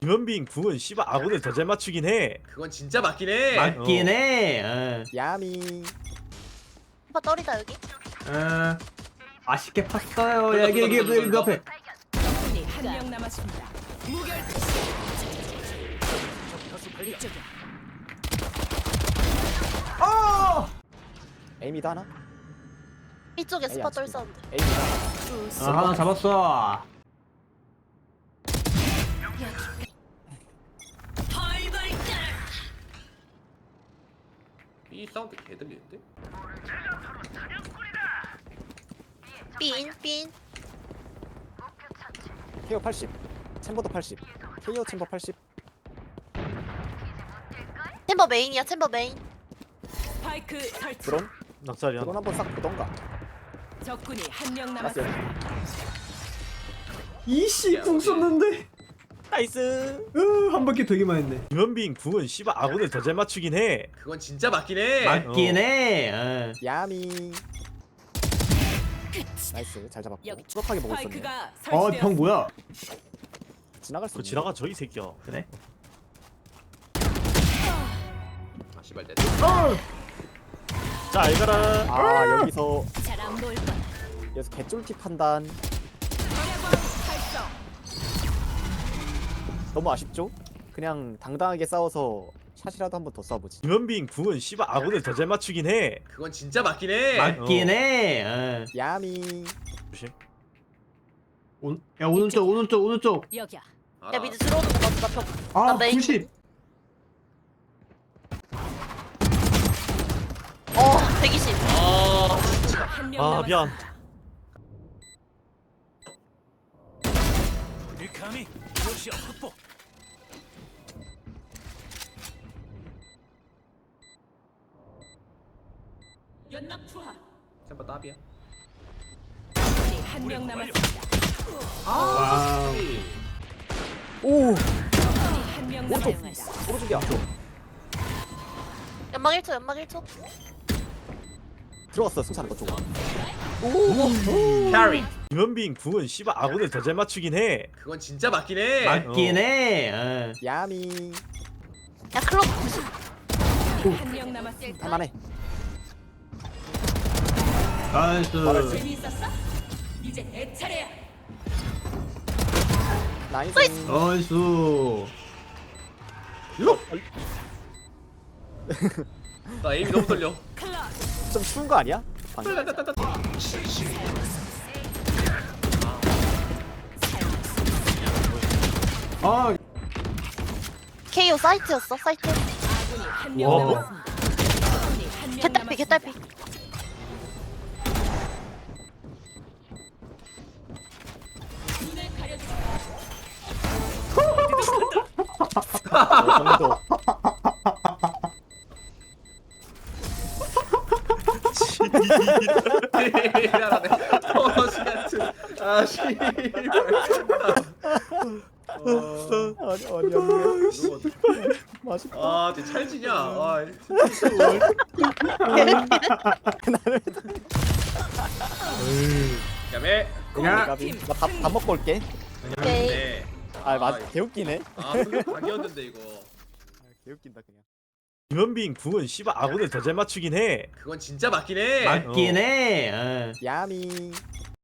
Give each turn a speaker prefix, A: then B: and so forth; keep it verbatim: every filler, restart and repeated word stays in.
A: 김현빈 궁은 씨발 아군을 더 잘 맞추긴 해.
B: 그건 진짜 맞긴 해.
C: 맞긴
A: 어.
C: 해. 어.
D: 야미.
E: 오빠 떨이다 여기.
C: 어. 아쉽게 팠어요. 야, 여기 여기 여기 여기 앞에.
F: 적군이 한 명 남았습니다. 무결. 이쪽이야.
C: 어!
D: 에이미도 하나?
E: 이쪽에
D: 에이,
E: 스파
D: 안
E: 떨
D: 찍히네.
E: 사운드.
D: 에이미도 하나.
C: 아, 하나 잡았어.
B: 이 사운드 개 들리는데?
E: 빈 빈.
D: 케어 팔십. 챔버도 팔십. 케어 챔버 팔십.
E: 챔버 메인이야 챔버 메인.
F: 스파이크 설치.
D: 드론?
A: 낙살이야.
D: 드론 한번 싹 보던가.
F: 적군이 한 명
D: 라스 여기.
F: 남았습니다.
C: 이씨 궁 썼는데.
A: 나이스.
C: 으, 한 바퀴 되기만 했네.
A: 김현빈 궁은 씨발 아군을 더 잘 맞추긴 해.
B: 그건 진짜 맞긴 해.
C: 맞긴
A: 어.
C: 해. 어.
D: 야미. 나이스. 잘 잡았고.
F: 여기
D: 수박하게 먹고 있었네.
F: 스파이크가
C: 어,
F: 설치되었습니다.
C: 병 뭐야?
D: 지나갈 수
A: 그
D: 있네.
A: 지나가 저 이 새끼야.
C: 그래?
B: 아 씨발 내.
A: 자 알가라.
D: 아 여기서
F: 잘안 보일 거야.
D: 여기서 개쫄티 판단.
F: 방해광 활성.
D: 너무 아쉽죠? 그냥 당당하게 싸워서 샷이라도 한 번 더 쏴보지.
A: 김현빈 궁은 씨발 아군을 더 잘 맞추긴 해.
B: 그건 진짜 맞긴 해.
C: 맞긴
A: 어.
C: 해. 어.
D: 야미.
A: 조심.
C: 오, 야 오른쪽 오른쪽 오른쪽.
F: 여기야.
B: 알아.
E: 야 미드 들어오는 거 같아. 나 벽.
C: 아
E: 나 메인.
C: 구십.
E: 어 백이십.
B: 아
F: 한 명
A: 아
F: 남았습니다.
A: 미안.
F: 연납 투하.
B: 챔버 답이야.
F: 적군이 한 명 남았습니다.
C: 와우.
D: 오.
F: 적군이 한 명 남았습니다.
D: 오른쪽이야.
E: 연막 일 초 연막 일 초.
D: 들어갔어 승찬 너 쪽.
B: 캐리.
A: 김현빈 궁은 씨발 아군을 더 잘 맞추긴 해.
B: 그건 진짜 맞긴 해.
C: 맞긴
A: 어.
C: 해. 어.
D: 야미.
E: 야 클럽 구십.
F: 한 명 남았습니다.
D: 할만해.
C: 나이스.
F: 재미있었어? 이제 내 차례야.
D: 나이스.
C: 나이스.
B: 나 에임이 너무 떨려.
F: 클럽.
D: 좀 추운 거 아니야? 방금.
C: 아,
E: 케이오 사이트였어 사이트.
F: 아군이 한 명
A: 와.
F: 남았습니다. 적군이 한 명
E: 개딸피
F: 남았습니다.
E: 개딸피.
F: 눈을 가려주.
D: 어, 정도.
B: 미안하네. 어 시간츠. 아 씨발.
D: 아니 아니 아니. 맛있다.
B: 아 진짜 찰지냐. 아
D: 나를.
B: 야매.
C: 야.
D: 가비. 나밥 밥 먹고 올게.
E: 오케이.
B: 네.
D: 아 맞. 개웃기네.
B: 아 승리 각이었는데 이거.
D: 개웃긴다 그냥.
A: 김현빈 궁은 씨발 아군을 더 잘 맞추긴 해.
B: 그건 진짜 맞긴 해.
C: 맞긴 해. 어.
D: 야미.